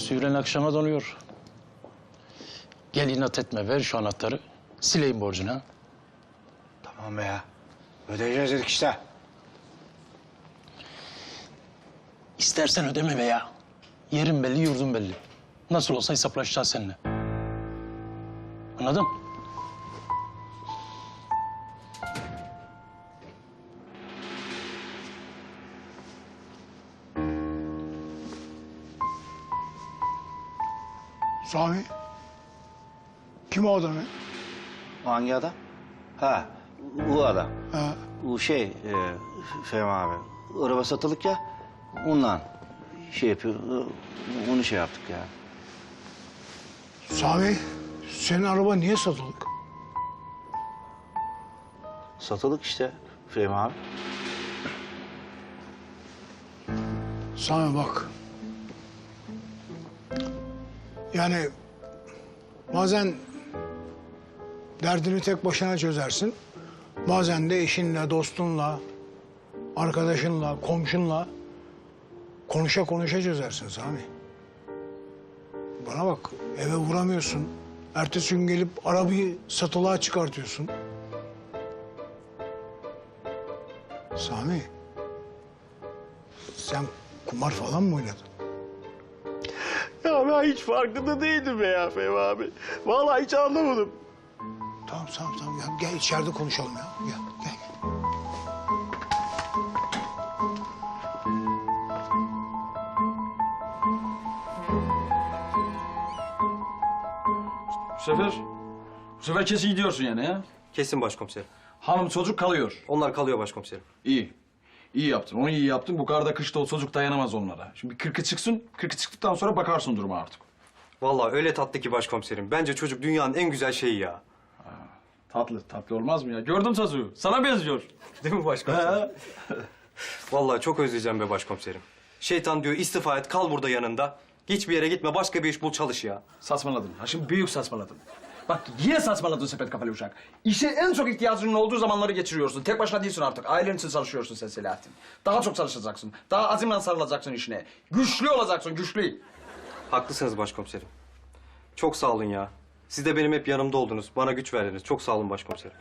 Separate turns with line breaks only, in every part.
Süren akşama donuyor. Gel inat etme, ver şu anahtarı. Sileyim borcunu ha.
Tamam be ya. Ödeyeceğiz dedik işte.
İstersen ödeme be ya. Yerin belli, yurdun belli. Nasıl olsa hesaplaşacağız seninle. Anladın?
Sami. Kim o adam ya?
Hangi adam? Ha, bu adam.
Ha,
Bu Fehmi abi. Araba satılık ya. Ondan şey yapıyor. Onu şey yaptık ya.
Sami, senin araba niye satılık?
Satılık işte Fehmi abi.
Sami bak. Yani bazen derdini tek başına çözersin. Bazen de eşinle, dostunla, arkadaşınla, komşunla konuşa konuşa çözersin Sami. Bana bak, eve vuramıyorsun. Ertesi gün gelip arabayı satılığa çıkartıyorsun. Sami, sen kumar falan mı oynadın?
Ya ben hiç farkında değildim be ya Fehmi abi. Vallahi hiç anlamadım.
Tamam. Ya, gel içeride konuşalım ya. Gel.
Bu sefer kesin gidiyorsun yani ha?
Kesin başkomiserim.
Hanım çocuk kalıyor.
Onlar kalıyor başkomiserim.
İyi. İyi yaptın, onu iyi yaptın. Bu karda kışta o çocuk dayanamaz onlara. Şimdi 40'ı çıksın, 40'ı çıktıktan sonra bakarsın duruma artık.
Vallahi öyle tatlı ki başkomiserim. Bence çocuk dünyanın en güzel şeyi ya.
Tatlı olmaz mı ya? Gördüm çocuğu, sana benziyor.
Değil mi başkomiserim? Vallahi çok özleyeceğim be başkomiserim. Şeytan diyor istifa et, kal burada yanında. Hiçbir yere gitme, başka bir iş bul, çalış ya.
Saçmaladın. Ha şimdi büyük saçmaladın. Bak yine saçmaladın sepet kafalı uşak. İşe en çok ihtiyacının olduğu zamanları geçiriyorsun. Tek başına değilsin artık. Ailen için çalışıyorsun sen Selahattin. Daha çok çalışacaksın. Daha azimle sarılacaksın işine. Güçlü olacaksın, güçlü.
Haklısınız başkomiserim. Çok sağ olun ya. Siz de benim hep yanımda oldunuz. Bana güç verdiniz. Çok sağ olun başkomiserim.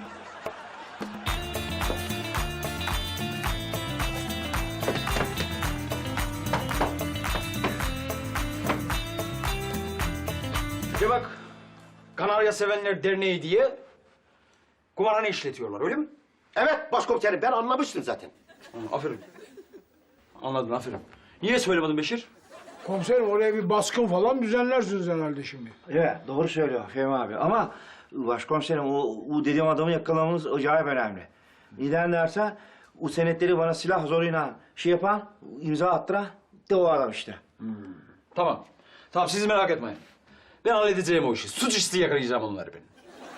Bir bak, Kanarya Sevenler Derneği diye kumarhane işletiyorlar, öyle mi?
Evet başkomiserim ben anlamıştım zaten.
Aferin. Anladın, aferin. Niye söylemedin Beşir?
Komiserim oraya bir baskın falan düzenlersiniz herhalde şimdi.
Evet, doğru söylüyor Fehmi abi. Ama başkomiserim o dediğim adamı yakalamamız acayip önemli. Neden dersen o senetleri bana silah zoruyla yapan, imza attıran de o adam işte.
Tamam. Tamam, siz merak etmeyin. Ben halledeceğim o işi. Suçüstü yakalayacağım onları ben.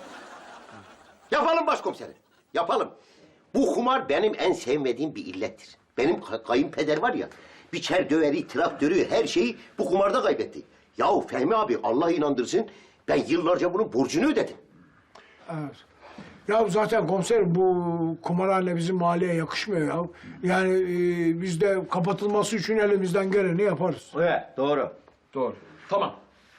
Yapalım başkomiserim. Yapalım. Bu kumar benim en sevmediğim bir illettir. Benim kayınpeder var ya, biçer döveri, traktörü, her şeyi bu kumarda kaybetti. Yahu Fehmi abi Allah inandırsın, ben yıllarca bunun borcunu ödedim.
Evet. Ya zaten komiserim bu kumarhane bizim mahalleye yakışmıyor ya. Yani biz de kapatılması için elimizden geleni yaparız.
Evet, doğru.
Doğru. Tamam.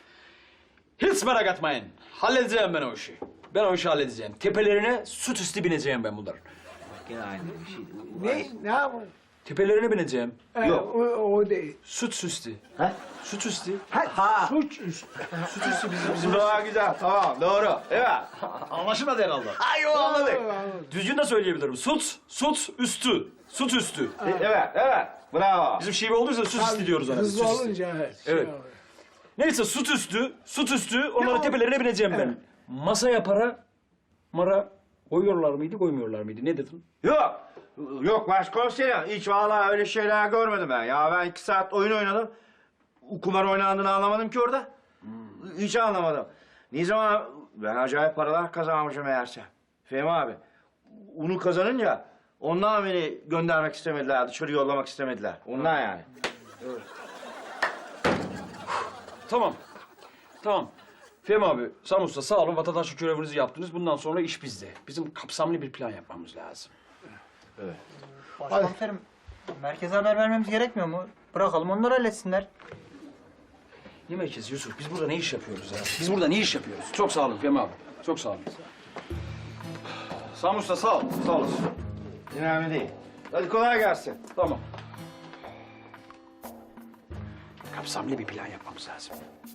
Hiç merak etmeyin. Halledeceğim ben o işi. Ben o işi halledeceğim. Tepelerine süt üstü bineceğim ben bunların.
Yine aynı bir şey.
Ne yapalım?
Tepelerine bineceğim.
Yok.
O değil.
Süt üstü.
Ha?
Süt üstü.
Suç üstü.
Süt üstü bizim
Daha güzel, tamam, doğru. Evet.
Anlaşılmadı herhalde.
Ay o anladık.
Düzgün de söyleyebilirim. Süt üstü. Süt üstü.
Evet, bravo.
Bizim şive olduysa süt üstü diyoruz ona.
Hızlı
Süt üstü.
olunca evet.
Evet. Neyse süt üstü onların tepelerine bineceğim ben. Masaya mara koyuyorlar mıydı, koymuyorlar mıydı? Ne dedin?
Yok başkomiserim. Hiç vallahi öyle şeyler görmedim ben. Ya ben 2 saat oyun oynadım. Kumar oynandığını anlamadım ki orada. Hiç anlamadım. Ne zaman ben acayip paralar kazanmışım meğerse. Fehmi abi. Onu kazanınca ondan beni göndermek istemediler, dışarı yollamak istemediler. Ondan yani.
Tamam. Fehmi abi, Sami Usta sağ olun. Vatandaşlık görevinizi yaptınız. Bundan sonra iş bizde. Bizim kapsamlı bir plan yapmamız lazım.
Başkomiserim, merkeze haber vermemiz gerekmiyor mu? Bırakalım onlar halletsinler.
Ne merkezi Yusuf? Biz burada ne iş yapıyoruz ya? Biz burada ne iş yapıyoruz? Çok sağ olun Fehmi abi. Çok sağ olun. Sami Usta sağ ol. Sağ olasın.
Önemli değil. Hadi kolay gelsin.
Tamam. Kapsamlı bir plan yapmamız lazım.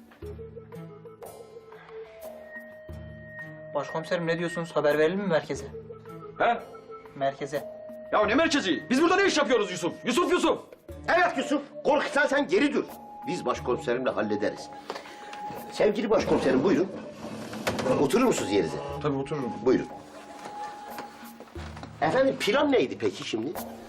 Başkomiserim ne diyorsunuz? Haber verelim mi merkeze?
He?
Merkeze.
Ya ne merkezi? Biz burada ne iş yapıyoruz Yusuf? Yusuf!
Evet Yusuf, korkutsan sen geri dur. Biz başkomiserimle hallederiz. Sevgili başkomiserim buyurun. Oturur musunuz yerinize?
Tabii otururum.
Buyurun. Efendim plan neydi peki şimdi?